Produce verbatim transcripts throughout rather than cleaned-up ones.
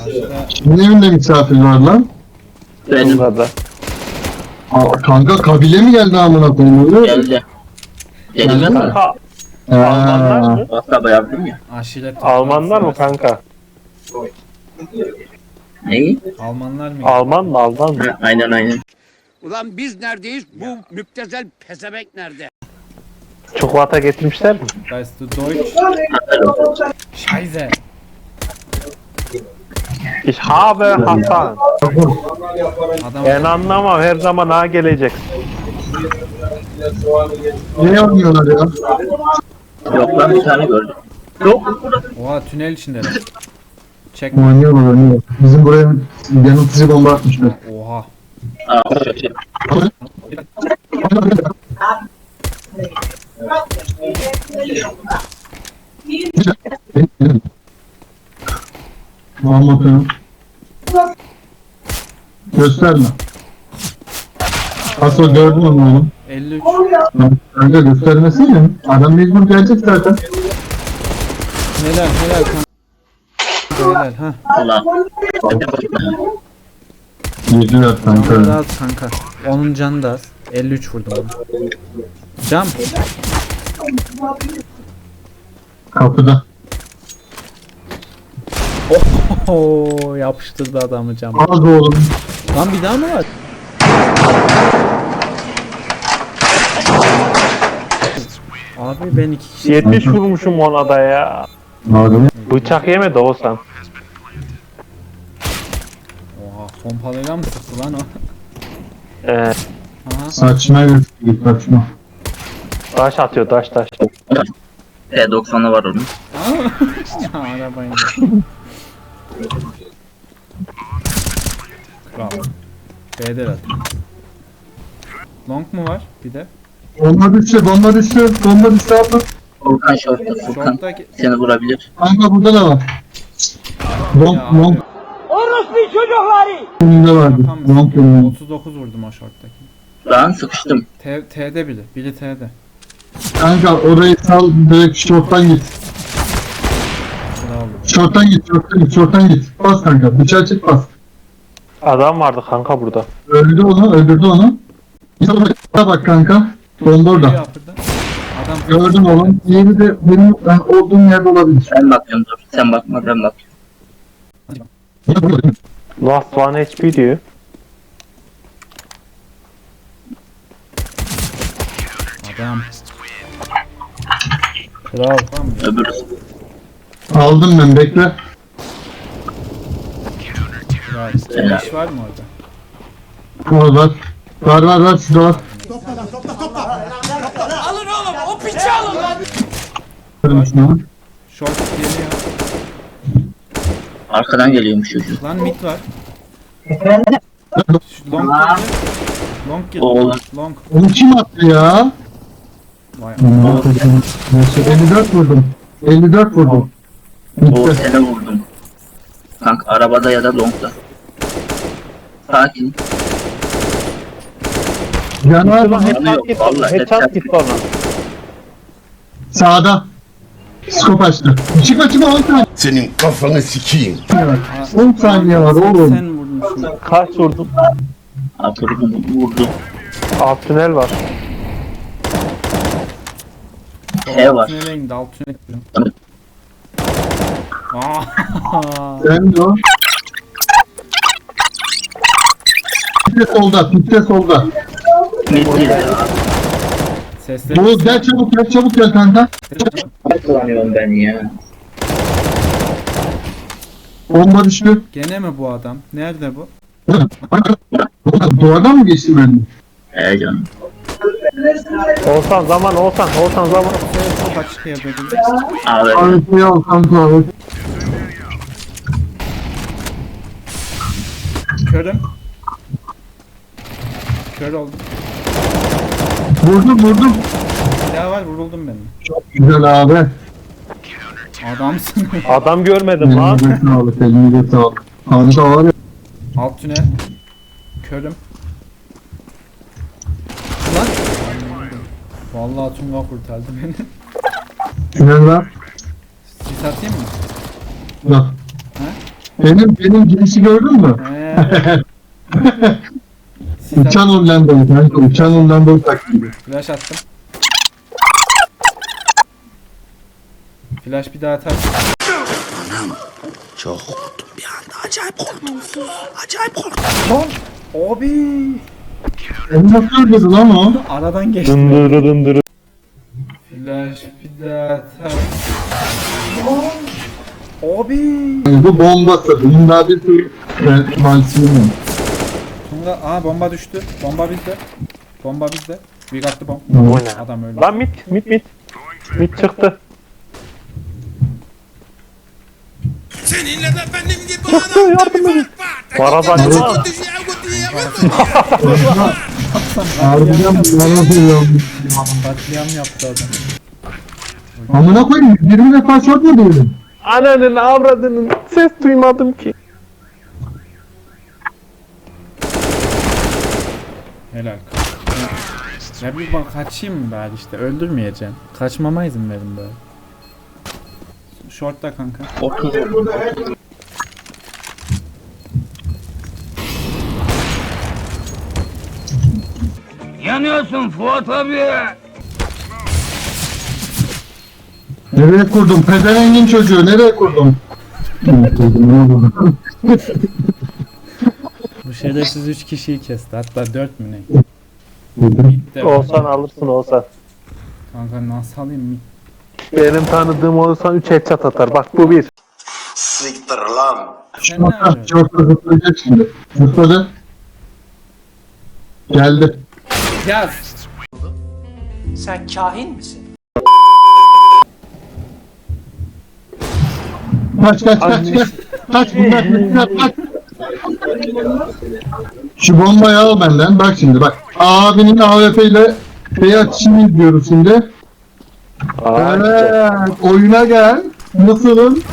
Başta Kimin evinde misafir var lan? Benim da. Aa, kanka kabile mi geldi amına koyayım öyle? geldi. Geldi Geldi mi? mi? Kanka Ee, Almanlar mı? WhatsApp'a yaptım ya. aşiret Almanlar mı toplantısı var. kanka? Neyi? Almanlar mı? Alman mı Alman mı? Ha, aynen aynen. Ulan biz neredeyiz? Bu müptezel pezevenk nerede? Çikolata getirmişler mi? Weißt du Deutsch? Scheiße. Ich habe Hasan. Adam Ben anlamam, her zaman ha gelecek. ne oynuyorlar ya? Yok lan bir tane gördüm. Yok. oha tünel içindeler. Çek. Oynuyorlar oynuyorlar. Bizim buraya yanıltıcı bomba atmışlar. Oha. Aa, şaşır. Muhammed'ın gösterme. Asıl gördün mü oğlum? elli üç. Kanka göstermesene. Adam mecbur gelecek zaten. Helal helal kanka. Helal ha. Ulan. Yediler Canı da kanka. az kanka. Onun canı da az. elli üç vurdum onu. Cam. Kapıda. Oho yapıştırdı adamı cam. Az oğlum. Lan bir daha mı var? Abi ben iki kişi. yetmiş vurmuşum ona da ya. Madem. Bıçak yemedi olsan. Oha pompalıyla mı sıktı lan o? Ee, Aha. Saçma git saçma. taş atıyor taş taş. T doksanı var onun. Aa, arabayı. Kral. B'de at. Long mu var bir de? Bomba düştü, bomba düştü, bomba düştü abla. Furkan şortta Furkan. Short'taki... Seni vurabilir. Kanka burada da var. Long, Ya long. abi, Önünde vardı. tam Long önünde. otuz dokuz vurdum o short'taki. Lan sıkıştım. T, T'de bile. Biri T'de. Kanka orayı sal, direkt şorttan git. Bravo. Şorttan git, şorttan git, şorttan git. Bas kanka, bıçağı çek bas. Adam vardı kanka burada. Öldü onu, öldürdü onu. Bak bak kanka. Bomba Geliyor orada. yapırdı. Adam Gördüm oğlum. Yeni de benim ben olduğum yerde olabilir. Ben bakıyorum dur. Sen bakma ben bakıyorum. Last one H P diyor. Adam. Kral. Tamam ya. Öbürü. Aldım ben, bekle. Kral. Bir iş var mı orada? Var var. Var var var, şurada var. Alın oğlum o piçi alın lan. Gördüm şunu. Short geliyor. Arkadan geliyormuş çocuk. Lan mid var. Şu long geldi. Long geldi. Oğlum. Long. Onu kim attı ya? Vay. Neyse, elli dört vurdum. elli dört vurdum. O Bitti. sene vurdum. Kanka arabada ya da longda. Sakin. Canavar Ulan mı? headshot gitti ona. Vallahi Headshot headshot gitti ona. Sağda. Skop açtı. Çıkma çıkma on saniye Senin kafanı sikeyim. var. on saniye var oğlum. Sen vurdun şunu. Kaç vurdum? Vurdum vurdum. Alt tünel var. T var. Tünele indi. Alt tünele indi. Aa. Sen de o. Pitte solda, pitte solda. Mid ya. Sesleri. Bu gel çabuk gel çabuk gel kanka. Ne kullanıyorum ben ya? Bomba düştü. Gene mi bu adam? Nerede bu? Duvardan mı geçti benim? He canım. Olsan zaman olsan olsan zaman. Çok açık yerde değil. Abi Abi ya kanka abi. Körüm. Kör oldum. Vurdum vurdum. Silah var vuruldum ben. Güzel abi. Adamsın. Adam görmedim lan. Elinize sağlık, elinize sağlık. Kanka var ya. Alt tünel. Körüm. Lan. Vallahi Tunga kurtardı beni. Tünel var. Sis atayım mı? Bak. Benim benim girişi gördün mü? He. Sis at- Uçan Hollandalı kanka. Uçan Hollandalı taklidi. Flash attım. Flash bir daha atar. Çok korktum bir anda. Acayip korktum. Acayip korktum. Lan! Abi! Onu nasıl öldürdü lan o? Aradan geçti. Dındırı dındırı. Flash bir daha atar. Abi! Yani bu bombası. Bunun daha bir sürü e, malzeme var. Tunga, aa bomba düştü. Bomba bizde. Bomba bizde. Büyük attı bomb. O ne? Adam öldü. Lan mit mit mit. Mit çıktı. Seninle de benim gibi Çıktı yardım edin. Varadan ya. Harbiden bana söylüyorum. Katliam yaptı adam. Amına koyayım. yirmi defa shot mu diyelim? Ananın avradının ses duymadım ki. Helal. Ya bir bak kaçayım mı bari işte öldürmeyeceğim. Kaçmama izin verin böyle. Short'ta kanka. Otur. Yanıyorsun Fuat abi. Nereye kurdum? Pezevengin çocuğu. Nereye kurdum? Nereye kurdum? Ne oldu? Bu şerefsiz üç kişiyi kesti. Hatta dört mü ne? Bitti. Olsan alırsın olsan. Kanka nasıl alayım mı? Benim tanıdığım olsan üç headshot atar. Bak bu bir. Siktir lan. Sen ne Şortta, yapıyorsun? şortta zıplayacak şimdi. Zıpladı. Geldi. Yaz. Sen kahin misin? Kaç kaç kaç kaç. Kaç bunlar kaç kaç. Şu bombayı al benden. Bak şimdi bak. Abinin A W P ile şey atışını izliyoruz şimdi. Aa, işte. Evet. Oyuna gel. Nasılım?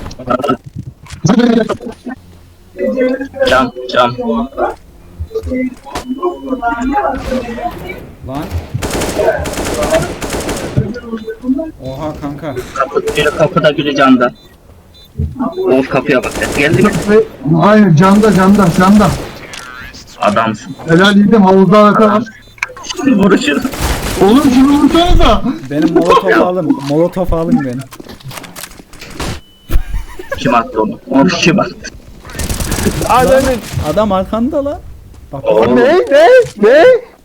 Cam cam. Lan. Oha kanka. Kapı, biri kapıda biri camda. Of kapıya bak. Geldi mi? Hayır canda canda canda. Adamsın. Helal yedim havuzda arkadaş. Vuruşur. Oğlum şunu vursanıza. Benim molotof alın. Molotof alın beni. Kim attı onu? Onu kim attı? Ananın. Adam arkanda lan. Bak Oğlum. Ne ne ne?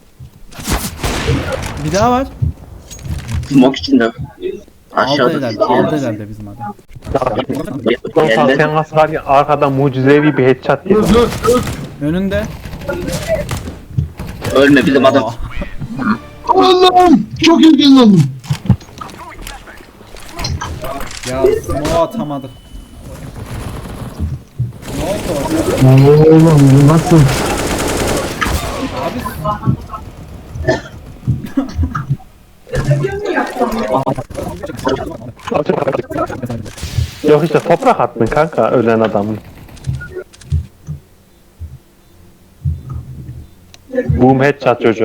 bir daha var. Smoke içinde. Aldı Aşağıda. herhalde. Aldı herhalde bizim adam. Olsan Geldi. sen nasıl var ya arkadan mucizevi bir headshot yedin. Dur dur dur. Önünde. Ölme bizim adam. Aa, Allah'ım çok ilgilendim. ya smoke atamadık. Ne oldu orada? Oğlum bu nasıl? Abi Yok işte toprak attın kanka ölen adamın. Boom headshot çocuk.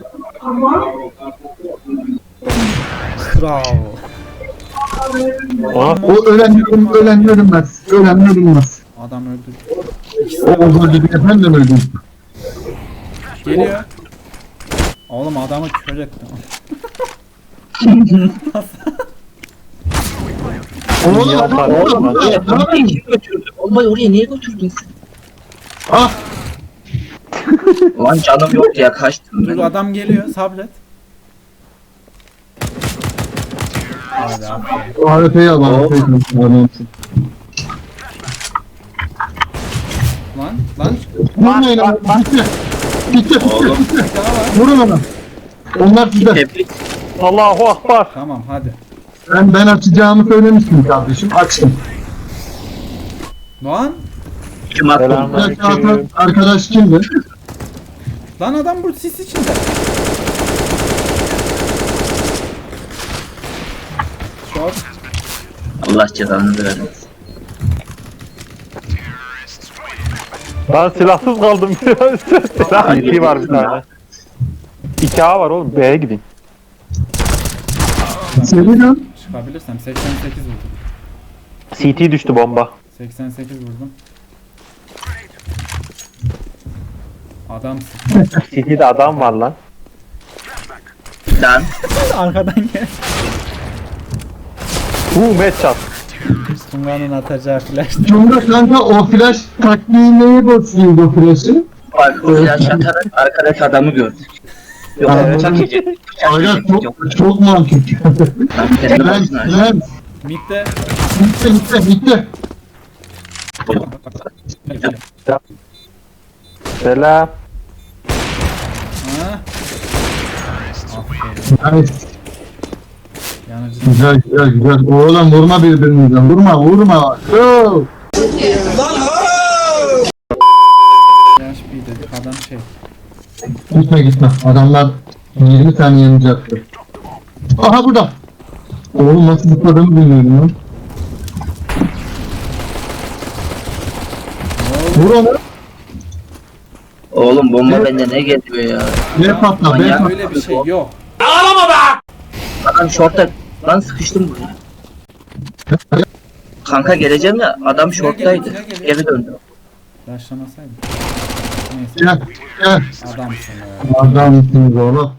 bravo. Ona O ölen ölüm, ölen ölünmez. Ölen ölünmez. Adam öldü. O öldürdü efendim öldü. Geliyor. Oğlum adamı kör ettim. Oğlum yapar, oğlum, oğlum. oğlum, ne yapayım? Niye götürdün? Bombayı oraya niye götürdün sen? Ah Lan canım yok ya kaçtım Dur ben. adam geliyor sabret. Hadi aferin. A W P'yi al A W P'yi al. Lan lan Vurmayın ama bitti. Bitti bitti Oğlum. bitti. bir daha var. Vurun ona. Onlar sizde. Tebrik. Allahu Akbar. Tamam hadi. Ben ben açacağımı söylemiştim kardeşim. Açtım. Lan Kim attı onu? Bir dakika, arkadaş- arkadaş kimdi? lan adam bu sis içinde. Short. Allah cezanı versin. Ben silahsız kaldım. Silah iki var bir tane. İki A var oğlum B'ye gidin. Seviyorum. Çıkabilirsem seksen sekiz vurdum. C T düştü bomba. seksen sekiz vurdum. Adamsın. City'de adam var lan. Lan. Arkadan gel. Bu matchup. Tunga'nın atacağı flash. Cumhur kanka o flash taktiği neye basıyordu o flash'ı? Bak flash atarak arkadaki adamı gördük. Yok Aa, bıçak yiyecek. Bıçak Aga yiyecek. Yok çok, çok mantıklı. kanka kendi Lan başına. lan Mid'de. bitti bitti bitti. Selam. Ha? Aferin. Yani Yanıcı. güzel güzel güzel. Oğlum vurma birbirinizden vurma vurma. Go. Yaş bir dedik adam şey. Gitme gitme. Adamlar yirmi tane yanacaktı. Aha burada. Oğlum nasıl zıpladığımı bilmiyorum lan. Vur onu. Oğlum bomba bende ne geliyor ya? Ne patla be Manyak. patla. Öyle bir şey yok. Adam short'ta. Lan sıkıştım buraya. Kanka geleceğim de adam short'taydı. Geri döndü. Başlamasaydı. Neyse Gel gel. adamsın ya. Adamsınız oğlum.